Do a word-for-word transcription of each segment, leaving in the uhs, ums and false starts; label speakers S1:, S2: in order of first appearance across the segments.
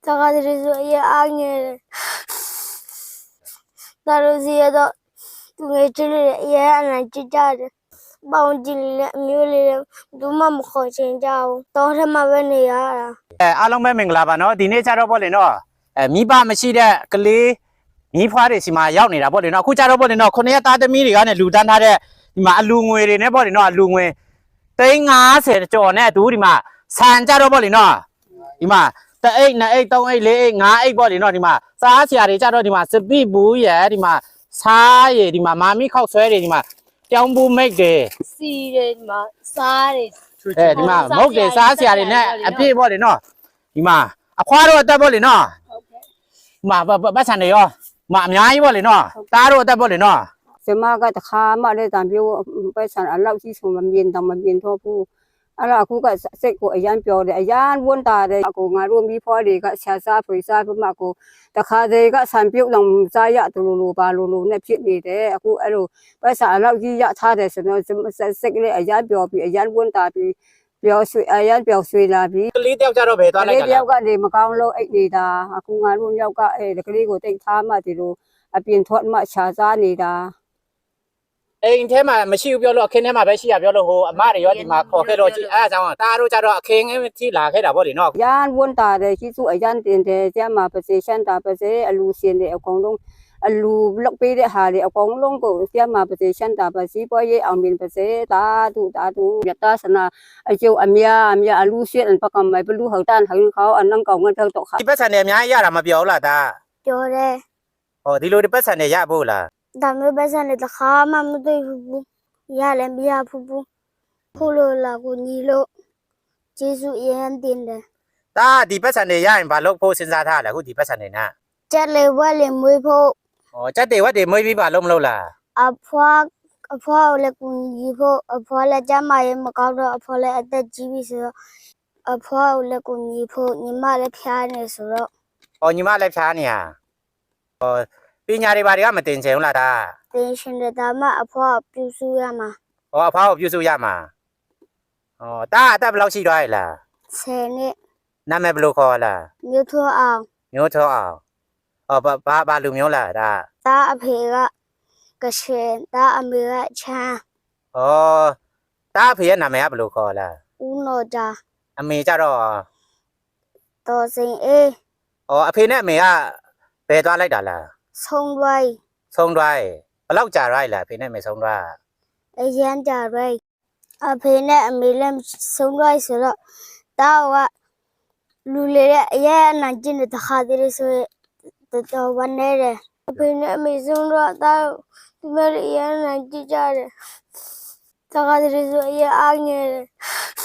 S1: 大家的说也爱你，大家是到对这里也难去家的，帮这里没有里都妈妈好请假哦，当时妈问你呀。
S2: အဲအားလုံးပဲမင်္ဂလာပါနော်ဒီနေ့ကျတော့ပေါ့လေနော်အဲမိဘမရှိတဲ့ကလေးမိဖွားတွေစီမှာရောက်နေတာပေါ့လေနော်အခုကျတော့ပေါ့လေနော်ခုနှစ်ရက်သားသမီးတွေကလည်းလူတန်းထားတဲ့ဒီမှာအလူငွေတွေနဲ့ပေါ့လေနော်အလူငွေသိန်း50ကျော်နဲ့အတူဒီမှာဆန်ကြတော့ပေါ့လေနော်ဒီမှာတအိတ်နှစ်အိတ်သုံးအိတ်လေးအိတ်ငါးအိတ်ပေါ့လေနော်ဒီမှာစားစရာတွေကြတော့ဒီမှာစပိဘူးရယ်ဒီမှာစားရည်ဒီမှာမာမီခောက်ဆွဲတွေဒီမှာကြောင်းဘူးမိတ်တွေ
S1: စီတယ်ဒီမှာစားတယ်
S2: အဲဒီမှာမုတ်တယ်စားစရာတွေနဲ့အပြည့်ပေါ့လေနော်ဒီမှာအခွားတော့အသက်ပေါ့လေနော်ဒီမှာပတ်စံတွေရောမအများကြီးပေါ့လေနော်တားတော့အသက်ပေါ့လေနော်
S3: စမကတခါမှလည်းတံပြိုးပတ်စံအလောက်ကြီးဆုံးမမြင်တော့မမြင်တော့ဘူးအဲ့ဒါအခုကစိတ်ကိုအရန်ပြောတယ်အရန်ဝန်တာတယ်အကိုငါတို့မိဖွားတွေကဆရာစားဖွေစားပြမကိုတခါတည်းကဆံပြုတ်တော့စားရတူလိုလိုပါလိုလိုနဲ့ဖြစ်နေတယ်အခုအဲ့လိုပတ်စံအလောက်ကြီးရထားတယ်ဆိုတော့စိတ်ကလေးအရန်ပြောပြီးအရန်ဝန်တာပြီးပြောရွှေအရန်ပြောရွှေလာပြီး
S2: ကလေးတယောက်ကြတော့ဘယ်သွားလိုက်က
S3: လေးတယောက်ကနေမကောင်းလို့အိတ်နေတာအခုငါတို့ယောက်ကအဲ့ဒီကလေးကိုတိတ်ထားမှဒီလိုအပြင်ထွက်မှခြာစားနေတာ
S2: အိမ်ထဲမှာမရှိဘူးပြောလို့အခင်းထဲမှာပဲရှိရပြောလို့ဟိုအမတွေရောဒီမှာခေါ်ခဲ့တော့ကြည့်အဲအကြောင်းတားတို့ကြတော့အခင်းထိလာခဲ့တာပေါ့လေနော်
S3: ရန်ဝန်တာတယ်ကြီးစုအရန်တင်တယ်ကျမပါစေရှန်တာပါစေအလူရှင်တွေအကုန်လုံးအလူလောက်ပေးတဲ့ဟာတွေအကုန်လုံးကိုကျမပါစေရှန်တာပါစီပွားရေးအောင်မြင်ပါစေတာတူတာတူရတသနာအကျိုးအမြအမြအလူရှင်ပကမိုင်ဘလူဟောက်တန်ဟောင်းခေါအနန်းကောင်ငတ်တော့ခါ
S2: ဒီပတ်စံတွေအများကြီးရတာမပြောလားတာ
S1: ပြောတယ်
S2: ဟောဒီလိုဒီပတ်စံတွေရဖို့လား
S1: ဒါမျိုးပတ်စံတွေတခါမှမတွေ့ဘူးရလည်းမရဘူးဘူးခုလိုလာကိုညီလို့ကျေးဇူးအရင်တင်တယ်
S2: ဒါဒီပတ်စံတွေရရင်ဘာလို့ဖို့စဉ်းစားထားလဲအခုဒီပတ်စံတွေနဲ့
S1: ကျက်လေဝက်လေမွေးဖို့
S2: ဟောကျက်တွေဝက်တွေမွေးပြီးပါလို့မလို့လား
S1: အဖွားအဖွားကိုလည်းကိုညီဖို့အဖွားလည်းကျမရဲ့မကောက်တော့အဖွားလည်းအသက်ကြီးပြီဆိုတော့အဖွားကိုလည်းကိုညီဖို့ညီမလည်းဖျားနေဆိုတော့
S2: ဟောညီမလည်းဖျားနေရဟောပညာတွေဘာတွေကမတင်ချင်ဘူးလားဒါ
S1: တင်ရှင်တဲ့ဒါမှအဖွားပြုစုရမှာ
S2: ဟောအဖွားကိုပြုစုရမှာဟောတာအသက်ဘယ်လောက်ရှိသွားရလား
S1: ဆယ်နှစ်
S2: နာမည်ဘယ်လိုခေါ်လား
S1: မျိုးထွန်းအောင်
S2: မျိုးထွန်းအောင်ဟောဘာဘာလူမျိုးလားဒါ
S1: ဒါအဖေကကရှင်ဒါအမေကချမ်း
S2: ဟောတာအဖေရဲ့နာမည်ကဘယ်လိုခေါ်လား
S1: ဦးနော်တာ
S2: အမေကြတော့
S1: တော်စင်အေး
S2: ဟောအဖေနဲ့အမေကဘယ်သွားလိုက်တာလား
S1: ဆုံးသွား
S2: ဆုံးသွားဘယ်လောက်ကြာရိုက်လားအဖေနဲ့အမေဆုံးသွား
S1: အရန်ကြာရိုက်အဖေနဲ့အမေလည်းဆုံးသွားဆိုတော့တာကလူလေအရန်နိုင်ကျင်တဲ့ခါတည်းဆိုတော်တော်ဝမ်းနေတယ်အဖေနဲ့အမေဆုံးတော့တာဒီမဲ့အရန်နိုင်ကြည့်ကြတယ်တခါတည်းဆိုအရန်အားငယ်တယ်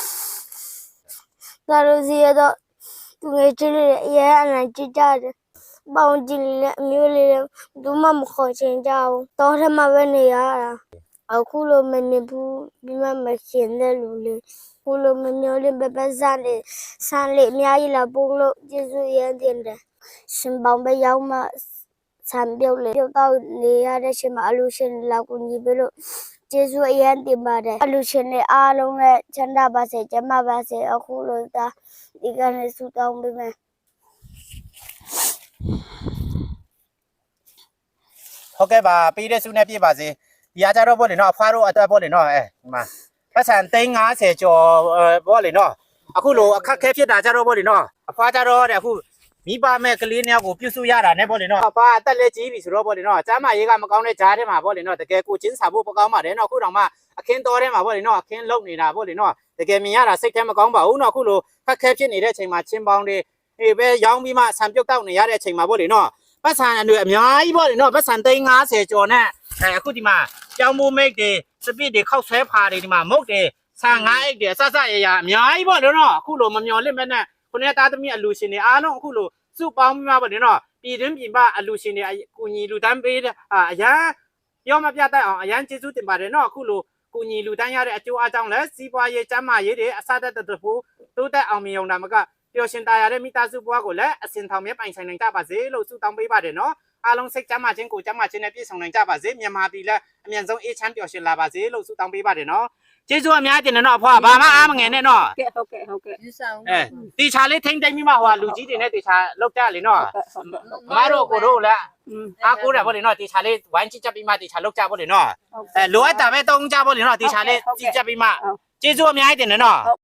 S1: တာလို့စီရတော့သူငယ်ချင်းလေးအရန်နိုင်ကြည့်ကြတယ်ပေါင်းကြည့်လေအမျိုးလေးတို့မှမခေါ်ချင်ကြဘူးတောထဲမှာပဲနေရတာအခုလိုမနေဘူးဒီမှာမရှင်တဲ့လူလေးခုလိုမမျိုးလေးပဲပဲစားနေဆန်းလေးအများကြီးလာပို့လို့ကျေးဇူးရမ်းတင်တယ်ရှင်ပေါင်းပဲရောက်မှဆံပြုတ်လေပြုတ်တော့နေရတဲ့ချိန်မှာအလူရှင်လာကူညီပြီးလို့ကျေးဇူးအရမ်းတင်ပါတယ်အလူရှင်တွေအားလုံးနဲ့ချမ်းသာပါစေကျန်းမာပါစေအခုလိုသာဒီကနေ့ဆုတောင်းပေးမယ်
S2: ဟုတ်ကဲ့ပါပေးတဲ့ဆုနဲ့ပြည့်ပါစေဒီအားကြတော့ပေါ့လေနော်အဖွားတို့အတွက်ပေါ့လေနော်အဲဒီမှာပတ်စံသိန်း50ကျော်ပေါ့လေနော်အခုလိုအခက်ခဲဖြစ်တာကြတော့ပေါ့လေနော်အဖွားကြတော့တဲ့အခုမိဘမဲ့ကလေးနှစ်ယောက်ကိုပြုစုရတာနဲ့ပေါ့လေနော်အဖွားအသက်လည်းကြီးပြီဆိုတော့ပေါ့လေနော်ကျမ်းမာရေးကမကောင်းတဲ့ဂျားထဲမှာပေါ့လေနော်တကယ်ကိုချင်းစာဖို့မကောင်းပါတယ်နော်အခုတော့မှအခင်းတော်ထဲမှာပေါ့လေနော်အခင်းလုံနေတာပေါ့လေနော်တကယ်မြင်ရတာစိတ်ထဲမကောင်းပါဘူးနော်အခုလိုခက်ခဲဖြစ်နေတဲ့အချိန်မှာချင်းပေါင်းတွေအေးပဲရောင်းပြီးမှဆံပြုတ်တောက်နေရတဲ့အချိန်မှာပေါ့လေနော်ပတ်စံတွေအများကြီးပေါ့လေနော်ပတ်စံသိန်း50ကျော်နဲ့အဲအခုဒီမှာကြောင်းမိုးမိတ်တွေစပစ်တွေခောက်ဆွဲဖာတွေဒီမှာမုတ်တွေဆန်ငါးအိတ်တွေအဆဆရရအများကြီးပေါ့လေနော်အခုလိုမမျော်လင့်မဲ့နဲ့ခုနှစ်သားသမီးအလူရှင်တွေအားလုံးအခုလိုစုပေါင်းပြီးမှပေါ့လေနော်ပြည်တွင်းပြည်ပအလူရှင်တွေကူညီလူတန်းပေးတဲ့အရန်ပြောမပြတတ်အောင်အရန်ကျေးဇူးတင်ပါတယ်နော်အခုလိုကူညီလူတန်းရတဲ့အကျိုးအကြောင်းလဲစီးပွားရေးကျန်းမာရေးတွေအစသက်တဖို့တိုးတက်အောင်မြင်အောင်ဒါမကပျော်ရှင်တရားတဲ့မိသားစုဘဝကိုလည်းအစဉ်ထောင်မြဲပိုင်ဆိုင်နိုင်ကြပါစေလို့ဆုတောင်းပေးပါတယ်နော်အားလုံးစိတ်ကျမ်းမာခြင်းကိုကျမ်းမာခြင်းနဲ့ပြည့်စုံနိုင်ကြပါစေမြန်မာပြည်လည်းအမြန်ဆုံးအေးချမ်းပျော်ရွှင်လာပါစေလို့ဆုတောင်းပေးပါတယ်နော်ကျေးဇူးအများကြီးတင်တယ်နော်အဖွာဘာမှအားမငယ်နဲ့နော်
S3: ကဲဟုတ်ကဲ့ဟုတ်ကဲ့
S4: ယူဆောင်
S2: အဲတီချာလေးထိမ့်တိမ့်ပြီးမှဟိုလူကြီးတွေနဲ့တီချာလောက်ကြလေနော်မမတို့ကိုတို့လည်း
S3: อืม
S2: အားကိုးတယ်ဗောလေနော်တီချာလေးဝိုင်းချစ်ချက်ပြီးမှတီချာလောက်ကြဗောလေနော်အဲလိုအပ်တာပဲတုံးကြဗောလေနော်တီချာလေးကြည့်ချက်ပြီးမှကျေးဇူးအများကြီးတင်တယ်နော်